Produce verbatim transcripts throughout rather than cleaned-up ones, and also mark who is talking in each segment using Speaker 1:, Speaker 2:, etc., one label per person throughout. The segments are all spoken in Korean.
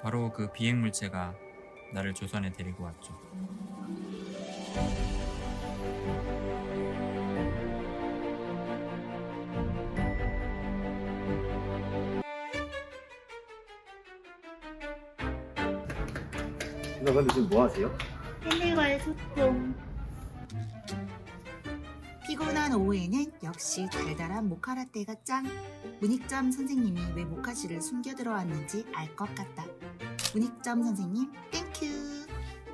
Speaker 1: 바로 그 비행물체가 나를 조선에 데리고 왔죠.
Speaker 2: 누나 근데 지금 뭐 하세요?
Speaker 3: 팬들과의 소통. 피곤한 오후에는 역시 달달한 모카라떼가 짱. 문익점 선생님이 왜 모카씨를 숨겨 들어왔는지 알 것 같다. 문익점 선생님 땡큐.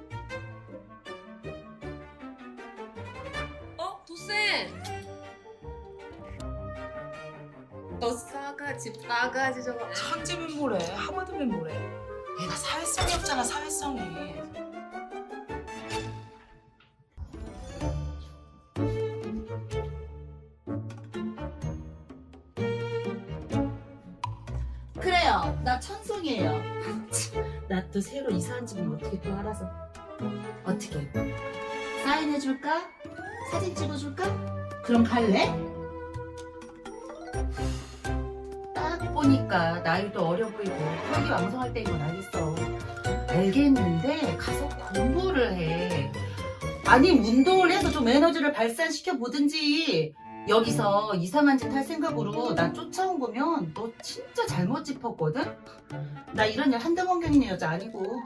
Speaker 4: 어? 도쌤! 너 싸가지 빠가지 저거.
Speaker 5: 천재면 뭐래, 하마드면 뭐래. 얘가 사회성이 없잖아, 사회성이.
Speaker 3: 그래요. 나 천송이에요. 나 또 새로 이사한 집은 어떻게 또 알아서. 어떻게? 사인해줄까? 사진 찍어줄까? 그럼 갈래? 딱 보니까 나이도 어려 보이고 혈기 왕성할 때인 건 알겠어. 알겠는데 가서 공부를 해. 아니 운동을 해서 좀 에너지를 발산시켜 보든지. 여기서 이상한 짓 할 생각으로 나 쫓아온 거면 너 진짜 잘못 짚었거든? 나 이런 일 한두 번 겪는 여자 아니고.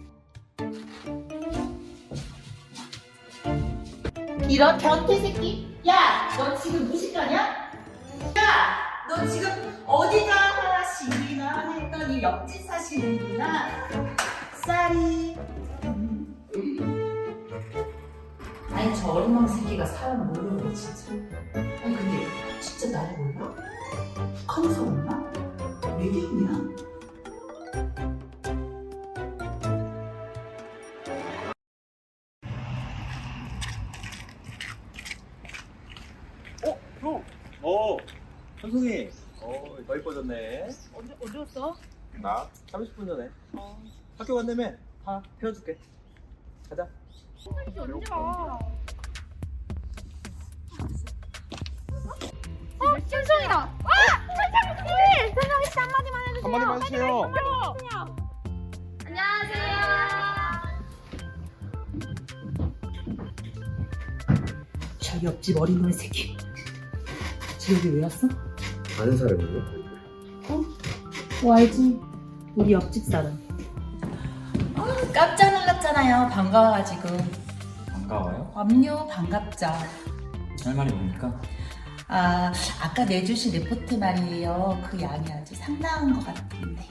Speaker 3: 이런 변태 새끼? 야! 너 지금 무식하냐? 야! 너 지금 어디가 하시나 했더니 옆집 사시는구나. 쌀이. 아니 저 어린 망 새끼가 사람 모르네 진짜. 아니 근데 진짜 나를 몰라? 북한에서 왔나? 외계인이야?
Speaker 2: 어? 형! 어! 현송이! 어, 더 이뻐졌네.
Speaker 5: 언제, 언제 왔어?
Speaker 2: 나? 삼십 분 전에.
Speaker 5: 어.
Speaker 2: 학교 간다며? 다 태워줄게. 가자.
Speaker 6: 언제 와? 어, 천성이다. 와, 천성이! 천성이 씨 한마디만 해주세요.
Speaker 2: 한마디만 해주세요.
Speaker 6: 안녕하세요.
Speaker 5: 저 옆집 어린 놈의 새끼. 쟤 여기 왜 왔어?
Speaker 2: 아는 사람이요?
Speaker 5: 어? 뭐 알지? 우리 옆집 사람. 아, 깜짝 놀랐잖아요. 반가워가지고.
Speaker 1: 반가워요?
Speaker 5: 압류 반갑죠.
Speaker 1: 할 말이 뭡니까?
Speaker 5: 아, 아까 내주신 리포트 말이에요. 그 양이 아주 상당한 것 같은데.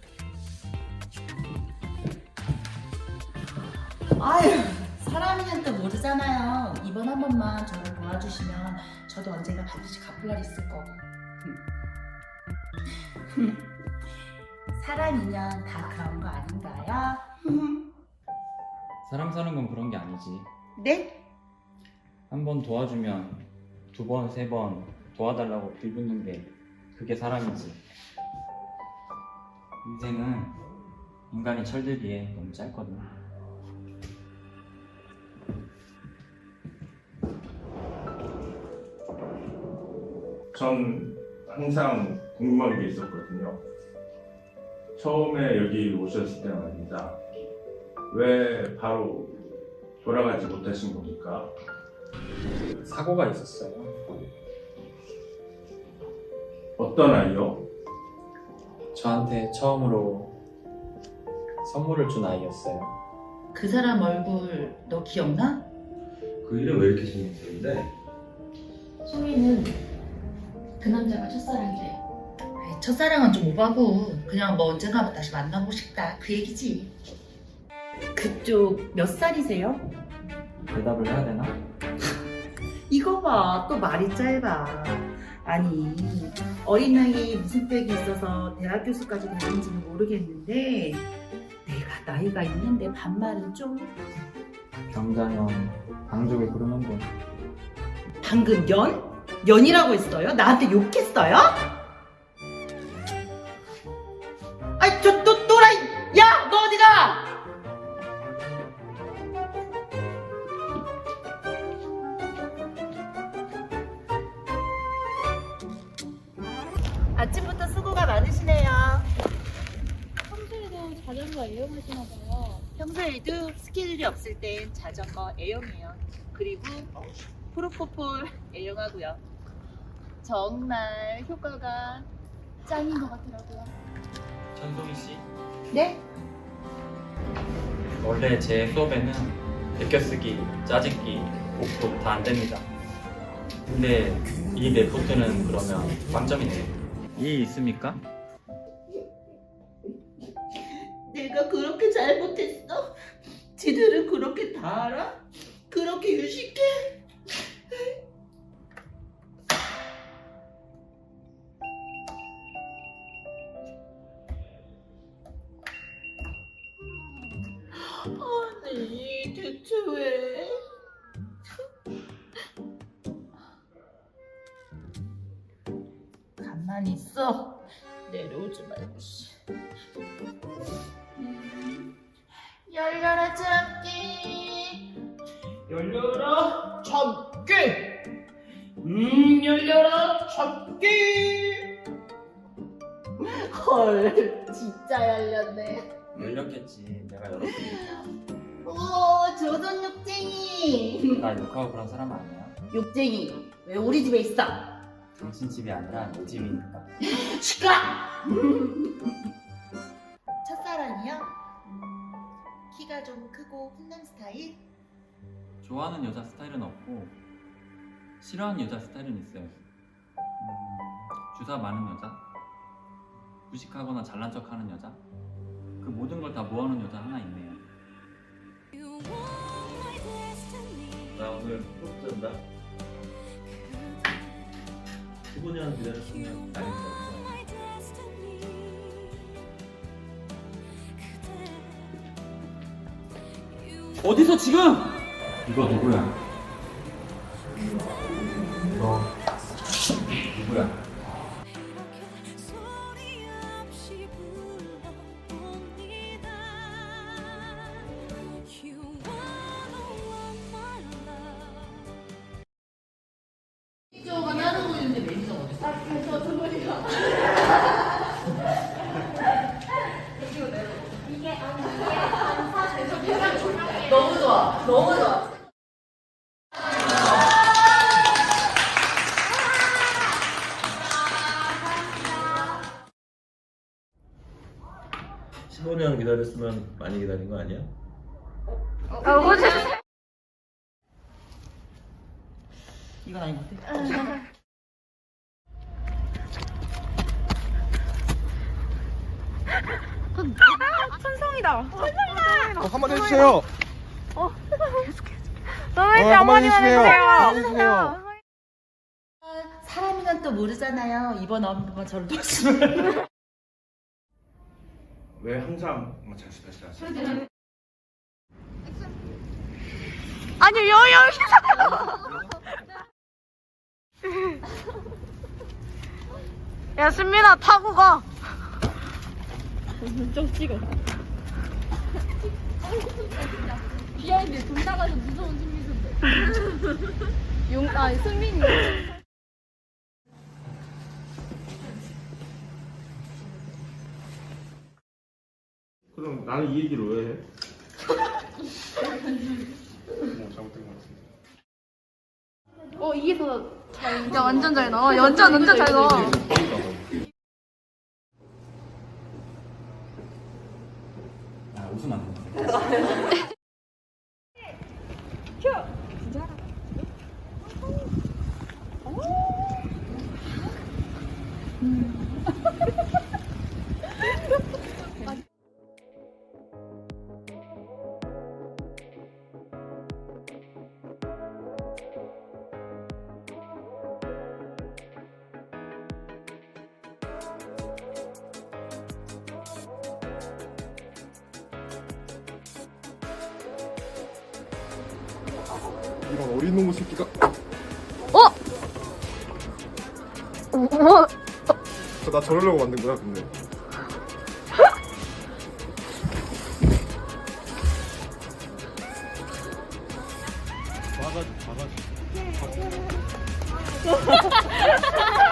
Speaker 5: 아유, 사람이면 또 모르잖아요. 이번 한 번만 저를 도와주시면 저도 언젠가 반드시 갚을 날 있을 거고. 사람이면 다 그런 거 아닌가요?
Speaker 1: 사람 사는 건 그런 게 아니지.
Speaker 5: 네?
Speaker 1: 한 번 도와주면 두 번, 세 번 도와달라고 빌붙는 게 그게 사람이지. 인생은 인간이 철들기에 너무 짧거든.
Speaker 7: 전 항상 궁금한 게 있었거든요. 처음에 여기 오셨을 때 말입니다. 왜 바로 돌아가지 못하신 겁니까?
Speaker 1: 사고가 있었어요.
Speaker 7: 어떤 아이요?
Speaker 1: 저한테 처음으로 선물을 준 아이였어요.
Speaker 5: 그 사람 얼굴 너 기억나?
Speaker 2: 그 일은 왜 이렇게 신경 쓰는데?
Speaker 5: 소희는 그 남자가 첫사랑이래. 아이, 첫사랑은 좀 오바고 그냥 뭐 언젠가 다시 만나고 싶다 그 얘기지. 그쪽 몇 살이세요?
Speaker 1: 대답을 해야 되나?
Speaker 5: 이거 봐, 또 말이 짧아. 아니, 어린 나이에 무슨 빽이 있어서 대학 교수까지 되는지는 모르겠는데 내가 나이가 있는데 반말은 좀.
Speaker 1: 경자년 방족을 부르는 거.
Speaker 5: 방금 연? 연이라고 했어요? 나한테 욕했어요? 아이, 저 또 또라이! 야, 너 어디가? 아침부터 수고가 많으시네요.
Speaker 6: 성실이도 자전거 애용하시나 봐요.
Speaker 5: 평소에도 스케줄이 없을 땐 자전거 애용해요. 그리고 프로포폴 애용하고요. 정말 효과가 짱인 것 같더라고요.
Speaker 1: 천송이 씨,
Speaker 5: 네?
Speaker 1: 원래 제 수업에는 베껴쓰기, 짜집기, 옥독 다 안 됩니다. 근데 이 레포트는 그러면 빵점이네요. 이 있습니까?
Speaker 5: 내가 그렇게 잘못했어? 지들은 그렇게 다 알아? 그렇게 유식해? 아니 대체 왜? 가만히 있어. 내려오지 말고 씨. 음, 열려라 참깨. 열려라 참깨. 음 열려라 참깨. 헐 진짜 열렸네.
Speaker 1: 열렸겠지. 내가 열었으니까.
Speaker 5: 오 조선 욕쟁이.
Speaker 1: 나 욕하고 그런 사람 아니야.
Speaker 5: 욕쟁이 왜 우리 집에 있어?
Speaker 1: 당신 집이 아니라 내 집이니까.
Speaker 5: 시끄러! 첫사랑이요? 음, 키가 좀 크고 훈남 스타일?
Speaker 1: 좋아하는 여자 스타일은 없고 싫어하는 여자 스타일은 있어요. 음, 주사 많은 여자, 무식하거나 잘난 척하는 여자, 그 모든 걸 다 모아놓은 여자 하나 있네요.
Speaker 8: 나 오늘 꼭 잔다. 십오 년 기다렸으면 많이 기다렸어.
Speaker 1: 어디서 지금? 이거 누구야? 너 누구야?
Speaker 3: 매니저가 따르고 있는데 매니저 어딨어?
Speaker 6: 저 주머니가. 이게 아니 이게 반사 대서
Speaker 3: 너무 좋아. 너무 좋아.
Speaker 8: 십오 년 기다렸으면 많이 기다린 거 아니야?
Speaker 2: 이건 아닌 것 같아.
Speaker 6: 천성이다.
Speaker 9: 어, 한번 해주세요.
Speaker 6: 너무
Speaker 9: 어, 한번 해주세요. 한번 해주세요.
Speaker 5: 사람이란 또 모르잖아요. 이번 엄마가 저를 도와주면
Speaker 7: 왜 항상 뭐 다시 다시 다시
Speaker 6: 아니 여기 야 신민아 타고 가. 좀 찍어. 비하인드 돈 나가서 무서운 승민인데. 용, 아 승민이.
Speaker 7: 그럼 나는 이 얘기를 왜 해?
Speaker 9: 뭐 잘못된 것 같은데.
Speaker 6: 어 이게 더 잘. 야 완전 잘 나와. 완전 완전 잘 나와.
Speaker 1: 아, 웃으면 안 돼.
Speaker 9: 이런 어린 놈의 새끼가.
Speaker 6: 어? 뭐?
Speaker 9: 저 나 저러려고 만든 거야, 근데.
Speaker 7: 바가지 바가지